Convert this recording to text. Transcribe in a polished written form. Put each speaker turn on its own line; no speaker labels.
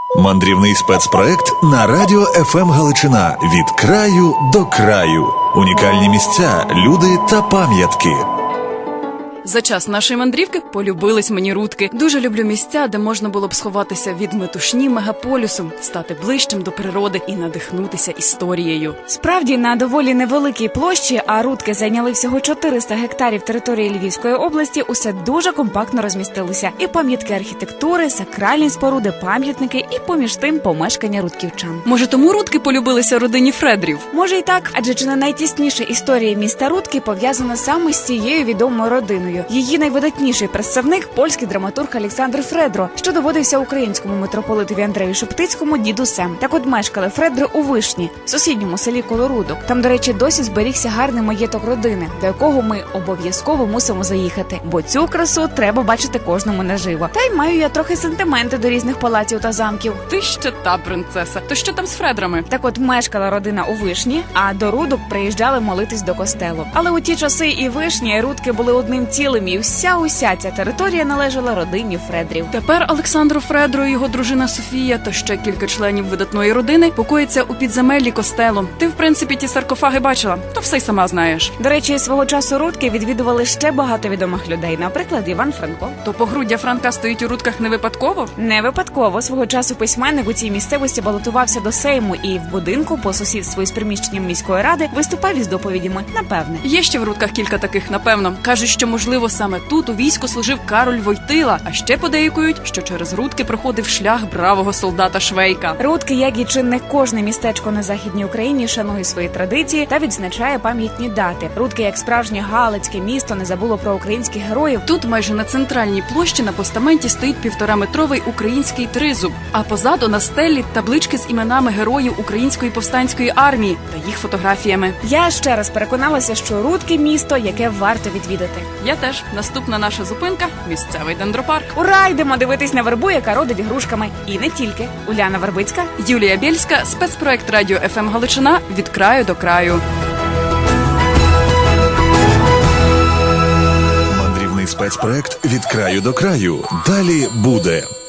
Мандрівний спецпроект на радіо ФМ Галичина «Від краю до краю». Унікальні місця, люди та пам'ятки.
За час нашої мандрівки полюбились мені Рудки. Дуже люблю місця, де можна було б сховатися від метушні мегаполісу, стати ближчим до природи і надихнутися історією.
Справді, на доволі невеликій площі, а Рудки зайняли всього 400 гектарів території Львівської області, усе дуже компактно розмістилося. І пам'ятки архітектури, сакральні споруди, пам'ятники і поміж тим помешкання рудківчан.
Може, тому Рудки полюбилися родині Фредрів?
Може й так, адже чи не найтісніша історія міста Рудки пов'язана саме з цією відомою родиною. Її найвидатніший представник – польський драматург Олександр Фредро, що доводився українському митрополитові Андрею Шептицькому дідусем. Так от мешкали Фредри у Вишні, сусідньому селі коло Рудок. Там, до речі, досі зберігся гарний маєток родини, до якого ми обов'язково мусимо заїхати, бо цю красу треба бачити кожному наживо. Та й маю я трохи сентименти до різних палаців та замків.
Ти ще та принцеса. То що там з Фредрами?
Так от мешкала родина у Вишні, а до Рудок приїжджали молитись до костелу. Але у ті часи і Вишня, і Рудки були одним цілим, і уся ця територія належала родині Фредрів.
Тепер Олександру Фредро і його дружина Софія та ще кілька членів видатної родини покоїться у підземеллі костелу. Ти, в принципі, ті саркофаги бачила, то все й сама знаєш.
До речі, свого часу Рудки відвідували ще багато відомих людей, наприклад, Іван Франко.
То погруддя Франка стоїть у Рудках не випадково?
Не випадково. Свого часу письменник у цій місцевості балотувався до Сейму і в будинку по сусідству із приміщенням міської ради виступав із доповідями, напевне.
Є ще в Рудках кілька таких, напевно. Кажуть, що, можливо, саме тут у війську служив Кароль Войтила, а ще подейкують, що через Рудки проходив шлях бравого солдата Швейка.
Рудки, як і чи не кожне містечко на Західній Україні, шанує свої традиції та відзначає пам'ятні дати. Рудки, як справжнє галицьке місто, не забуло про українських героїв.
Тут майже на центральній площі на постаменті стоїть 1,5-метровий український тризуб, а позаду на стелі таблички з іменами героїв Української повстанської армії та їх фотографіями.
Я ще раз переконалася, що Рудки – місто, яке варто відвідати.
Я теж. Наступна наша зупинка – місцевий дендропарк.
Ура! Йдемо дивитись на вербу, яка родить грушками. І не тільки. Уляна Вербицька,
Юлія Бєльська, спецпроект радіо ФМ Галичина «Від краю до краю».
Мандрівний спецпроект «Від краю до краю». Далі буде.